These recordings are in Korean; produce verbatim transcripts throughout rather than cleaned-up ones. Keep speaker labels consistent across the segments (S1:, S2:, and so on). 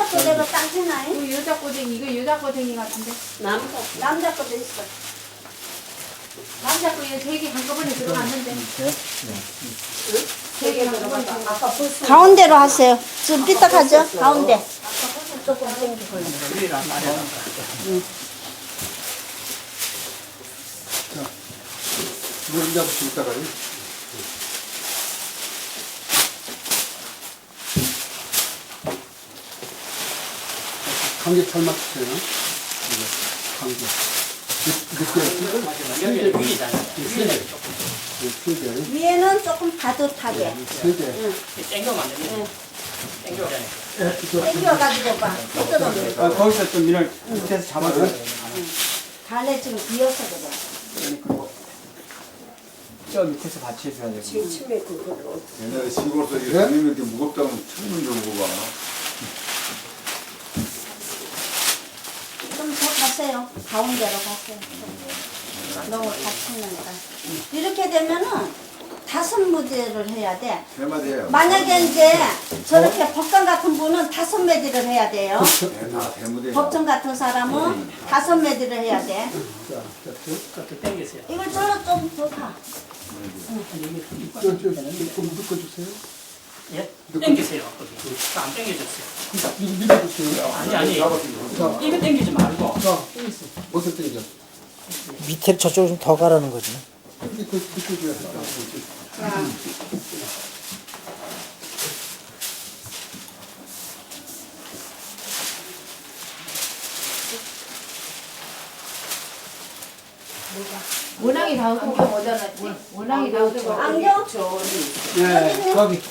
S1: 거대가 딱 해놔요?
S2: 이거 여자 꼬댕이, 이거 여자 꼬댕이 같은데.
S1: 남자, 남자 거대 있어.
S2: 남자 거에 세개 한꺼번에 들어갔는데.
S1: 세개 들어가서 아까 벌써.
S3: 가운데로 하세요. 좀 삐딱하죠? 가운데.
S1: 조금 당기고.
S4: 이걸 이제 한번 이따가요. 감기 잘 맞추세요. 이거 감기. 늦게
S5: 여기 위잖아요. 위에
S4: 세 개.
S1: 위에는 조금 바듯하게.
S4: 세 개.
S5: 땡겨면 안 됩니다. 땡겨잖아요.
S1: 당겨가지고 봐. 뜯어놓는
S6: 아, 거기서 좀 민을 밑에서 잡아줘.
S1: 간에 지금 비어서 그래.
S6: 그리고 저 밑에서 받치 해줘야 되고.
S1: 침침해 그걸로.
S7: 옛날에 시골에서 이게
S4: 네?
S7: 다니면 이렇게 무겁다고 처음 들어보고 봐.
S1: 좀 더 가세요. 가운데로 가세요. 너무 다치니까. 이렇게 되면은 다섯 무대를 해야 돼.
S7: 세 마디 해요.
S1: 만약에 이제 저렇게 법관 같은 분은 다섯 매디를 해야 돼요.
S7: 네, 다세 무대.
S1: 법정 같은 사람은 다섯 매디를 해야 돼.
S5: 그렇게 땡기세요.
S1: 이걸 저로 좀 더 가.
S4: 저, 저, 조금 묶어주세요.
S5: 예? 땡기세요. 거기. 안 땡겨졌어요.
S4: 이거 밀어주세요.
S5: 아니, 아니.
S4: 자,
S5: 이거 땡기지 말고.
S4: 자, 못을 땡겨.
S8: 밑에 저쪽으로 좀 더 가라는 거지.
S4: 이거 묶어줘야 돼.
S1: 자,
S2: 원앙이 다 얻은 게 뭐잖았지? 원앙이 다 얻은 거.
S1: 안경?
S6: 네, 거기.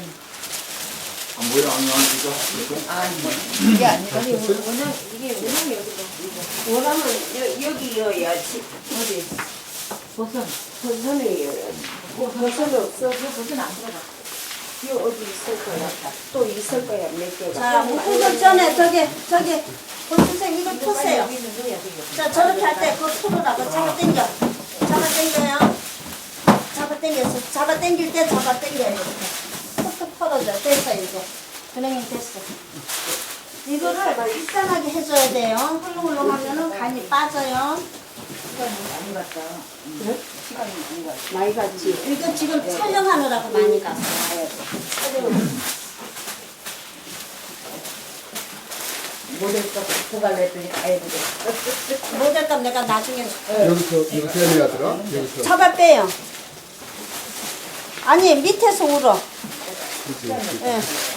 S7: 안 보여? 안 나와지죠?
S2: 이게 아니라. 아니, 원앙, 이게 원앙이 어디가?
S1: 원하면 여, 여기여야지.
S2: 어디? 버선.
S1: 버선이여야지. 뭐 버선이 없어.
S2: 저 버선 안 들어가.
S1: 여 어디 있을 거야. 또 있을 거야. 몇 개가. 자, 묶기 전에 저기 저기 선생님 이거 푸세요.
S2: 여기 있는 거야, 여기.
S1: 자, 저렇게 할 때 그거 풀으라고 잡아 당겨. 잡아 당겨요. 잡아 당겨서 잡아 당길 때 잡아 당겨요. 이렇게. 툭툭 털어져. 됐어 이제. 그냥 됐어. 이거를 일단하게 해줘야 돼요. 훌렁훌렁 하면은 간이 빠져요.
S2: 많이 갔다.
S1: 네?
S2: 시간이 많이 갔다.
S1: 많이 갔지. 이거 지금 촬영하느라고 많이 갔어.
S2: 모델값 고갈 냈더니 다 해보게.
S1: 모델값 내가 나중에
S4: 여기서, 여기서 해야 되더라. 여기서.
S1: 잡아 빼요. 아니 밑에서 울어.
S4: 그렇지.
S1: 예.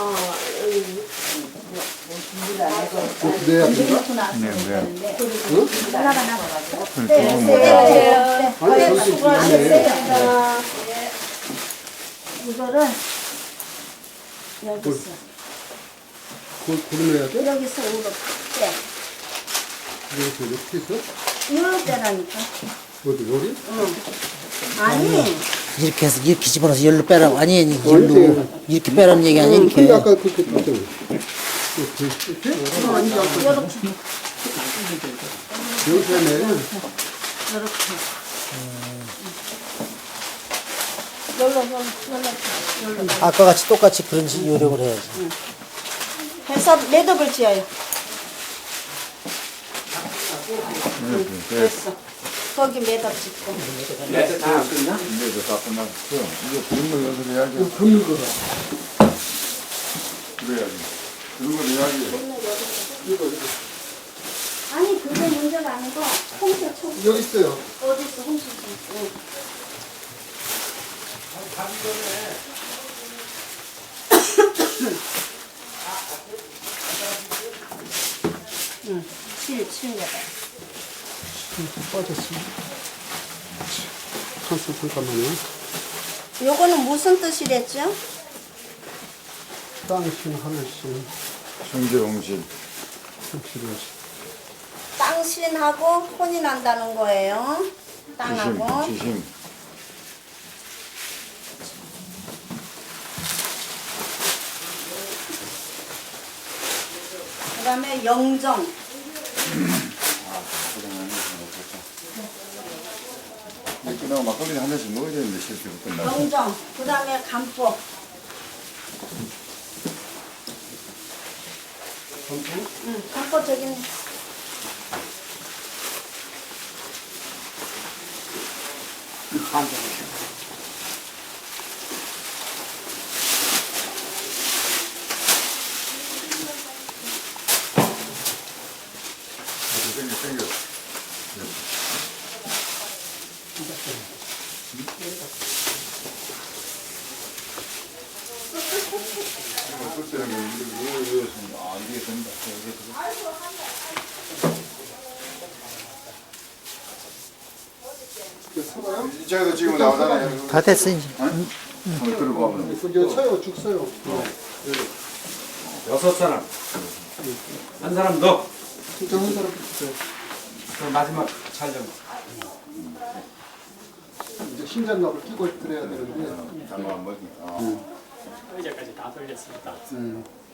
S4: 그렇게 내야 된다?
S7: 네, 왜?
S1: 네, 네, 네.
S4: 아니,
S1: 네,
S4: 저기
S1: 수고하셨습니다. 이거를 여기서
S4: 그걸 고르내야 돼?
S1: 여기서 울어 빼.
S4: 여기서 이렇게 해서?
S1: 이걸로 빼라니까.
S4: 어디, 여기?
S1: 아니.
S8: 이렇게 해서 이렇게 집어넣어서 열로 빼라고. 아니, 아니,
S4: 아니지.
S8: 열로. 이렇게 빼라는 얘기 아니,
S4: 근데
S8: 이렇게.
S4: 아까 그렇게 했잖아. 이렇게, 이렇게?
S1: 이렇게.
S4: 여기서 해네.
S1: 이렇게. 열로 열로 열로 열로.
S8: 아까 같이 똑같이 그런 식 요령을 해야지.
S1: 해서 매듭을 지어요. 됐어. 거기 매듭 짓고.
S6: 네, 다 끝나?
S7: 이제 다 끝났어. 이제 굶는 연습 해야지.
S4: 긁는 거다.
S7: 그래야지. 그런 걸 해야지.
S4: 이거, 이거.
S1: 아니 그게 문제가 아니고 홍채 총
S4: 여기 있어요.
S1: 어디 있어 홍채 총. 응. 응. 칠, 칠 여덟.
S4: 빠졌어. 잠깐, 잠깐만요.
S1: 요거는 무슨 뜻이랬죠?
S4: 땅신, 하늘신,
S7: 성질옹실.
S4: 삼칠오신.
S1: 땅신하고 혼이 난다는 거예요. 땅하고.
S7: 지심, 지심.
S1: 그 다음에 영정.
S7: 끝나고 막걸리 한 잔씩 먹어야 되는데 실제로 끝나고.
S1: 영정. 그 다음에 간법. 응, 감고 저기는.
S7: 땡겨, 땡겨. 이거 때는 이거 이거 이거 아 이게 된다. 이쪽에도 지금 나오잖아요.
S8: 다 됐어 이제.
S7: 한번 들어보면.
S4: 이제 서요, 죽 서요.
S6: 여섯 사람. 한 사람 더.
S4: 진짜 한 사람 주세요.
S6: 그럼 마지막 촬영.
S4: 이제 심장갑을 끼고 그래야 되는데.
S7: 잠깐만 뭐. 아.
S5: 의자까지 다 돌렸습니다.
S4: 음.